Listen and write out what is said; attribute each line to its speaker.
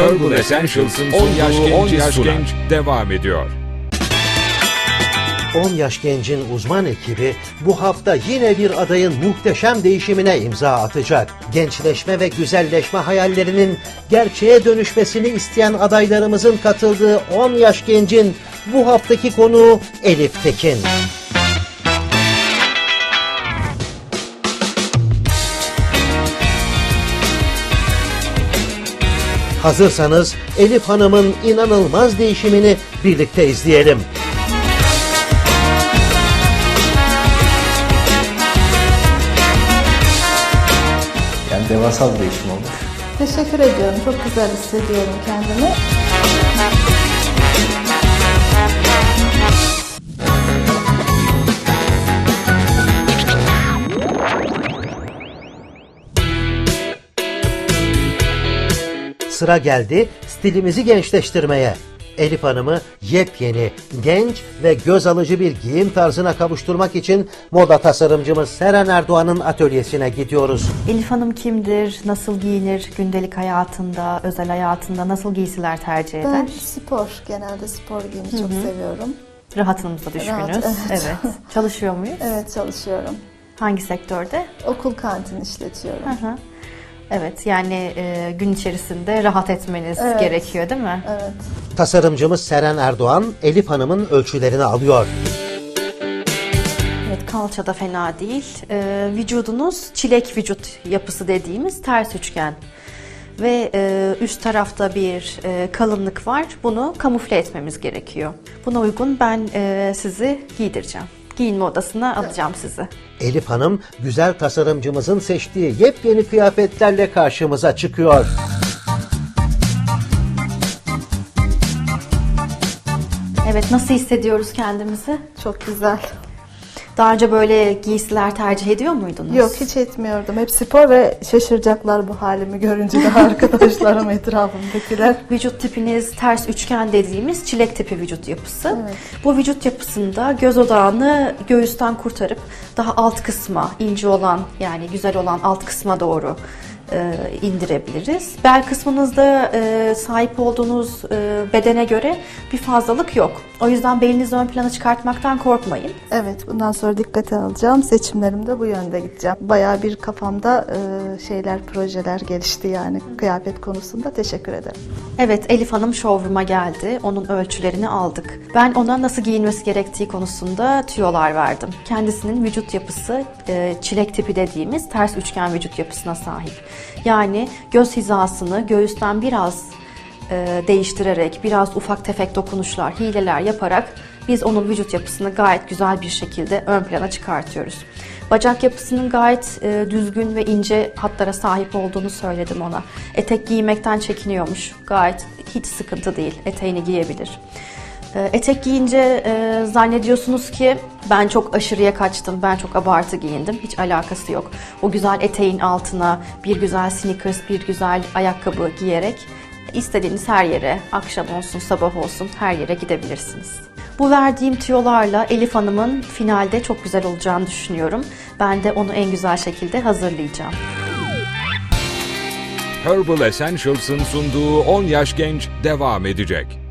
Speaker 1: Herbal Essentials'ın 10 yaş genç devam ediyor.
Speaker 2: 10 yaş gencin uzman ekibi bu hafta yine bir adayın muhteşem değişimine imza atacak. Gençleşme ve güzelleşme hayallerinin gerçeğe dönüşmesini isteyen adaylarımızın katıldığı 10 yaş gencin bu haftaki konuğu Elif Tekin. Hazırsanız Elif Hanım'ın inanılmaz değişimini birlikte izleyelim.
Speaker 3: Yani devasa bir değişim olmuş.
Speaker 4: Teşekkür ediyorum. Çok güzel hissediyorum kendimi.
Speaker 2: Sıra geldi stilimizi gençleştirmeye. Elif Hanım'ı yepyeni, genç ve göz alıcı bir giyim tarzına kavuşturmak için moda tasarımcımız Seren Erdoğan'ın atölyesine gidiyoruz.
Speaker 5: Elif Hanım kimdir? Nasıl giyinir? Gündelik hayatında, özel hayatında nasıl giysiler tercih eder?
Speaker 4: Ben spor, genelde spor giyimi çok seviyorum.
Speaker 5: Rahatınıza düşkünüz.
Speaker 4: Rahat, evet.
Speaker 5: Evet. Çalışıyor muyuz?
Speaker 4: Evet, çalışıyorum.
Speaker 5: Hangi sektörde?
Speaker 4: Okul kantini işletiyorum.
Speaker 5: Hı hı. Evet, yani gün içerisinde rahat etmeniz gerekiyor değil mi?
Speaker 4: Evet.
Speaker 2: Tasarımcımız Seren Erdoğan, Elif Hanım'ın ölçülerini alıyor.
Speaker 5: Evet, kalça da fena değil. Vücudunuz çilek vücut yapısı dediğimiz ters üçgen. Ve üst tarafta bir kalınlık var. Bunu kamufle etmemiz gerekiyor. Buna uygun ben sizi giydireceğim. Giyinme odasına alacağım sizi.
Speaker 2: Elif Hanım, güzel tasarımcımızın seçtiği yepyeni kıyafetlerle karşımıza çıkıyor.
Speaker 5: Evet, nasıl hissediyoruz kendimizi?
Speaker 4: Çok güzel.
Speaker 5: Daha önce böyle giysiler tercih ediyor muydunuz?
Speaker 4: Yok, hiç etmiyordum. Hep spor ve şaşıracaklar bu halimi görünce de arkadaşlarım, etrafımdakiler.
Speaker 5: Vücut tipiniz ters üçgen dediğimiz çilek tipi vücut yapısı.
Speaker 4: Evet.
Speaker 5: Bu vücut yapısında göz odağını göğüsten kurtarıp daha alt kısma, ince olan yani güzel olan alt kısma doğru indirebiliriz. Bel kısmınızda sahip olduğunuz bedene göre bir fazlalık yok. O yüzden belinizi ön plana çıkartmaktan korkmayın.
Speaker 4: Evet, bundan sonra dikkate alacağım. Seçimlerimde bu yönde gideceğim. Bayağı bir kafamda projeler gelişti yani kıyafet konusunda. Teşekkür ederim.
Speaker 5: Evet, Elif Hanım showroom'a geldi. Onun ölçülerini aldık. Ben ona nasıl giyinmesi gerektiği konusunda tüyolar verdim. Kendisinin vücut yapısı çilek tipi dediğimiz ters üçgen vücut yapısına sahip. Yani göz hizasını göğüsten biraz değiştirerek, biraz ufak tefek dokunuşlar, hileler yaparak biz onun vücut yapısını gayet güzel bir şekilde ön plana çıkartıyoruz. Bacak yapısının gayet düzgün ve ince hatlara sahip olduğunu söyledim ona. Etek giymekten çekiniyormuş. Gayet hiç sıkıntı değil. Eteğini giyebilir. Etek giyince zannediyorsunuz ki ben çok aşırıya kaçtım, ben çok abartı giyindim. Hiç alakası yok. O güzel eteğin altına bir güzel sneakers, bir güzel ayakkabı giyerek istediğiniz her yere, akşam olsun, sabah olsun her yere gidebilirsiniz. Bu verdiğim tüyolarla Elif Hanım'ın finalde çok güzel olacağını düşünüyorum. Ben de onu en güzel şekilde hazırlayacağım.
Speaker 1: Herbal Essentials'ın sunduğu 10 yaş genç devam edecek.